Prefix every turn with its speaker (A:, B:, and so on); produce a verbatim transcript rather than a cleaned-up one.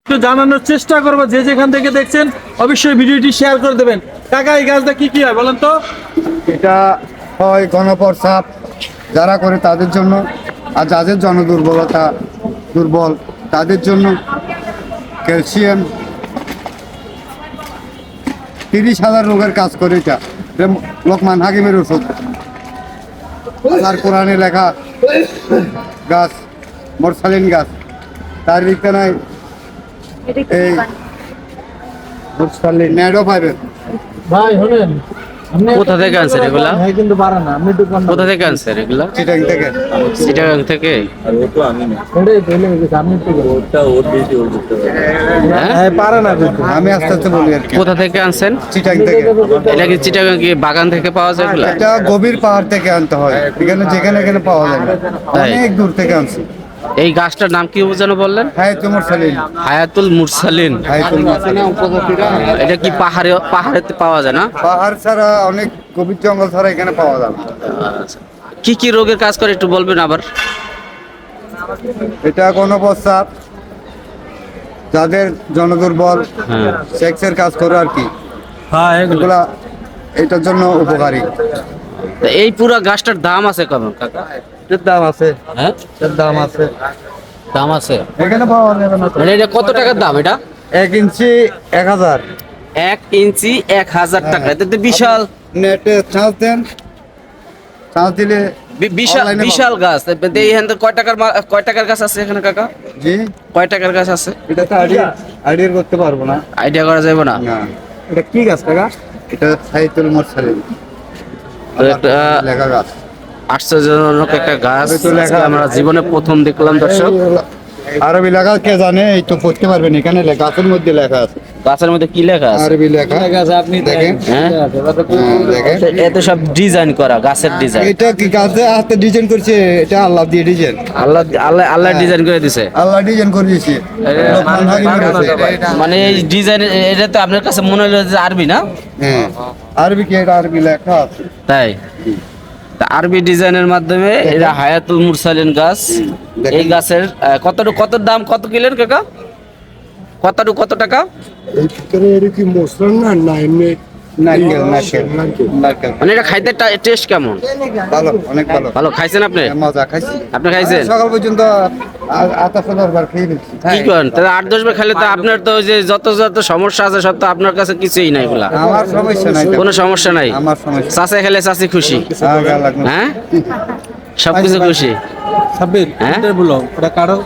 A: একটু জানানোর চেষ্টা করবো, যে যেখান থেকে দেখছেন অবশ্যই ভিডিওটি শেয়ার করে দেবেন। কাকা এই গাছটা কি কি হয় বলেন তো?
B: এটা হয় গণপ্রস্রাব যারা করে তাদের জন্য, আর যাদের জন দুর্বলতা দুর্বল তাদের জন্য ক্যালসিয়াম তিরিশ হাজার রোগের কাজ করে। এটা এটা লোকমান হাকিমের ওষুধ। আল্লাহর কোরআনে লেখা গাছ মোরসালিন গাছ, তার দিকটা নাই এই মোরসালিন ন্যাডো পাইবেন।
A: ভাই শোনেন,
C: কোথা থেকে আনছেন এগুলা?
A: হ্যাঁ কিন্তু পারে না, আপনি একটু কম
C: কোথা থেকে আনছেন এগুলা?
B: চিটাং থেকে।
C: চিটাগাং থেকে?
A: ওটাই বলে গেছে, আপনি একটু
C: হ্যাঁ?
A: হ্যাঁ পারে না কিন্তু।
B: আমি আস্তে আস্তে বলি আর কি।
C: কোথা থেকে আনছেন?
B: চিটাং থেকে।
C: এটা কি চিটাগাং কি বাগান থেকে পাওয়া যায় এগুলা?
B: এটা গভীর পাহাড় থেকে আনতে হয়, এখানে যেখানে এখানে পাওয়া যায় না।
C: তাই?
B: অনেক দূর থেকে আনছি।
C: এই গাছটার নাম কি যেন বললেন?
B: হ্যাঁ তোমার সালিন।
C: হায়াতুল মুরসালিন।
B: হ্যাঁ তোমার সালিন।
C: এটা কি পাহাড়ে পাহাড়েতে পাওয়া যায় না?
B: পাহাড় ছাড়া অনেক গভীর জঙ্গল ছাড়া এখানে পাওয়া যায় না।
C: আচ্ছা। কি কি রোগের কাজ করে একটু বলবেন আবার?
B: এটা গণপ্রস্রাব, যাদের জনদুর্বল,
C: হ্যাঁ।
B: সেক্সের কাজ করে আর কি,
A: হ্যাঁ এগুলো
B: এগুলা এটার জন্য উপকারী।
C: তা এই পুরা গাছটার দাম আছে কেমন কাকা?
B: এর দাম আছে,
C: হ্যাঁ,
B: এর দাম আছে,
C: দাম আছে।
B: এখানে পাওয়া যাবে না।
C: মানে এটা কত টাকার দাম এটা?
B: এক ইঞ্চি এক হাজার।
C: এক ইঞ্চি এক হাজার টাকা, এটা তো বিশাল
B: নেটে চার্জ দেন, চার্জ দিলে
C: বি- বিশাল
B: online এ
C: বিশাল গাছ। এইখান থেকে কয় টাকার মা- কয় টাকার গাছ আছে এখানে কাকা?
B: জি
C: কয় টাকার গাছ আছে?
B: এটা তো আইডিয়া আইডিয়া করতে পারবো না।
C: আইডিয়া করা যাবে না।
B: না,
A: এটা কি গাছ কাকা?
B: এটা সাইতুল মুরসালিন
C: তো একটা
B: লেখা গাছ।
C: আশ্চর্যজনক একটা গাছ
B: তো লেখা-
C: আমরা জীবনে প্রথম দেখলাম দর্শক।
B: আরবি লেখা কে জানে, এই তো পড়তে পারবেন, এখানে লেখা গাছের মধ্যে লেখা আছে,
C: গাছের মধ্যে কি লেখা আছে?
B: আরবি লেখা।
A: আপনি
B: দেখেন
C: হ্যাঁ,
B: হ্যাঁ, দেখেন
C: এত সব ডিজাইন করা, গাছের ডিজাইন।
B: এটা কি গাছে হাতে ডিজাইন করছে, এটা আল্লাহ দিয়ে ডিজাইন,
C: আল্লাহ আল্লাহ আল্লাহ ডিজাইন করে দিছে।
B: আল্লাহ ডিজাইন করে দিয়েছে। লোকমান হাকিমের আছে।
C: মানে এই ডিজাইন, এটা তো আপনার কাছে মনে হলো যে আরবি না?
B: হ্যাঁ আরবি কি, এটা আরবি লেখা আছে।
C: তাই? তা আরবি ডিজাইনের মাধ্যমে এটা হায়াতুল মুরসালিন গাছ। এই গাছের আহ, কতটুকু কত দাম, কত কিলেন কাকা? কতটুকু কত টাকা?
D: এই ভিতরে এর কি মশলা না না এমনি
B: নারকেল নারকেল নারকেল
C: মানে এটা খাইতে টেস্ট কেমন?
B: ভালো, অনেক ভালো।
C: ভালো খাইছেন আপনি?
B: মজা খাইছি,
C: আপনি খাইছেন?
B: সকাল পর্যন্ত আতা সদর বার খেয়ে ফেলছি।
C: কি করেন তাহলে? আট দশ বার খেলে তো আপনার তো ওই যে যত যত সমস্যা আছে সব তো আপনার কাছে কিছুই নাই এগুলা।
B: আমার সমস্যা নাই তো।
C: কোনো সমস্যা নাই।
B: আমার সমস্যা
C: চাষে খেলে চাষি খুশি।
B: হ্যাঁ, গা লাগলো।
C: হ্যাঁ, সবকিছু খুশি।
A: সাব্বির
C: হ্যাঁ?
A: এটা বলো, ওটা কারো